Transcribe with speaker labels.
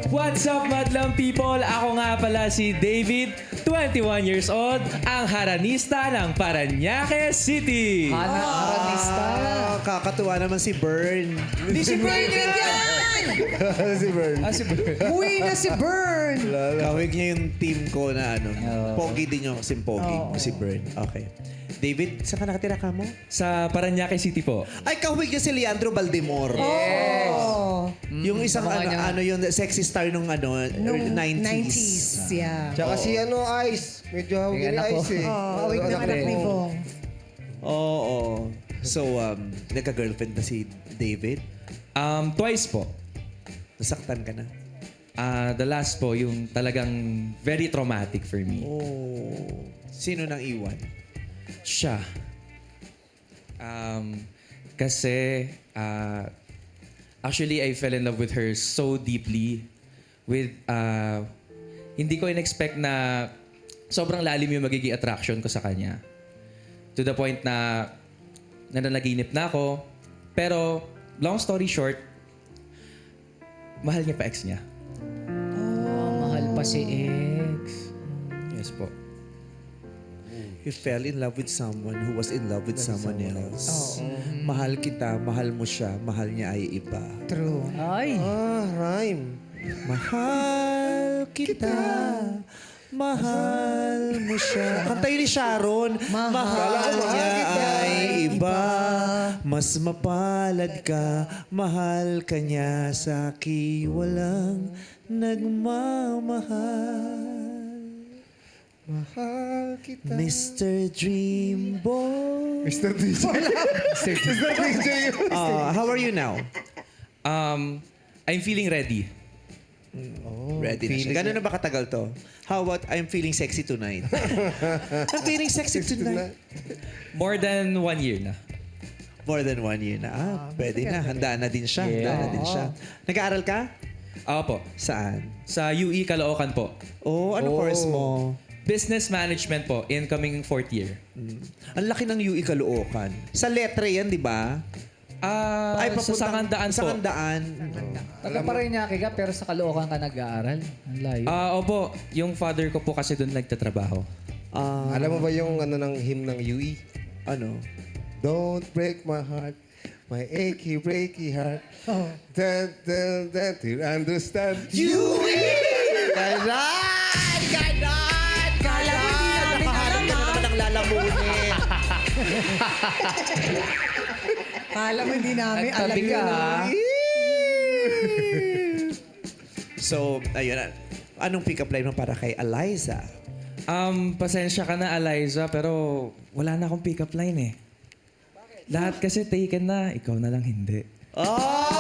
Speaker 1: What's up, madlang people? Ako nga pala si David, 21 years old, ang haranista ng Parañaque City.
Speaker 2: Haranista.
Speaker 3: Kakatuwa naman si Bern.
Speaker 2: Hindi si Bern yan!
Speaker 3: si Bern.
Speaker 1: Si Bern.
Speaker 2: Uwi na si Bern!
Speaker 3: Kawig niya yung team ko na ano. Pogi din yung kasing pogi. Si Bern. Okay. David, saan ka nakatira ka mo?
Speaker 1: Sa Parañaque City po.
Speaker 3: Ay, kawig niya si Leandro Baldemor.
Speaker 2: Oh,
Speaker 3: Yung isang ano yung sexy star nung ano,
Speaker 2: nung
Speaker 3: 90s.
Speaker 2: 90s, yeah.
Speaker 4: Tsaka si Ice. Medyo hawag ni Ice eh.
Speaker 2: Oh, awig ng anak ni Bong.
Speaker 3: Oo. So, nagka-girlfriend na si David?
Speaker 1: Twice po.
Speaker 3: Nasaktan ka na?
Speaker 1: The last po, yung talagang very traumatic for me.
Speaker 3: Oh. Sino nang iwan?
Speaker 1: Siya. Kasi, actually, I fell in love with her so deeply. Hindi ko in-expect na sobrang lalim yung magiging attraction ko sa kanya. To the point na nananaginip na ako. Pero, long story short, mahal niya pa ex niya.
Speaker 5: Mahal pa si ex.
Speaker 1: Yes po.
Speaker 3: You fell in love with someone who was in love with someone else. Mahal kita, mahal mo siya, mahal niya ay iba.
Speaker 2: True.
Speaker 5: Ay.
Speaker 4: Rhyme.
Speaker 3: Mahal kita, mahal mo siya. Kanta yun ni Sharon. Mahal niya ay iba. Mas mapalad ka, mahal ka niya sa akin. Walang nagmamahal.
Speaker 4: Mahal kita.
Speaker 3: Mr. Dreamboy.
Speaker 4: Mr. DJ. Mr. DJ.
Speaker 3: How are you now?
Speaker 1: I'm feeling ready.
Speaker 3: Ready na siya. Gano'n na ba katagal to? How about I'm feeling sexy tonight? I'm feeling sexy tonight.
Speaker 1: More than 1 year na.
Speaker 3: More than 1 year na. Pwede na. Handaan na din siya. Handaan na din siya. Nag-aaral ka?
Speaker 1: Ako po.
Speaker 3: Saan?
Speaker 1: Sa UE Caloocan po.
Speaker 3: Ano course mo?
Speaker 1: Business Management po, incoming 4th year.
Speaker 3: Ang laki ng UE Caloocan. Sa letre yan, di ba?
Speaker 1: Sa Sangandaan po.
Speaker 3: Sangandaan.
Speaker 5: Taga Parañaque ka pero sa Caloocan ka nag-aaral. Ang layo.
Speaker 1: Opo, yung father ko po kasi doon nagtatrabaho.
Speaker 4: Alam mo ba yung ano ng hymn ng UE?
Speaker 3: Ano?
Speaker 4: Don't break my heart. My achy, breaky heart. To understand.
Speaker 3: UE! Ganon! Ganon!
Speaker 2: Kala mo hindi namin alam,
Speaker 3: Ka naman ang lalamunin.
Speaker 2: Kala mo hindi namin alam
Speaker 5: Nagtabi ka,
Speaker 2: yun.
Speaker 5: ha?
Speaker 3: So, ayun. Anong pick-up line mo para kay Eliza?
Speaker 1: Pasensya ka na, Eliza, pero wala na akong pick-up line eh. Lahat kasi taken na, ikaw na lang hindi.
Speaker 3: Oh!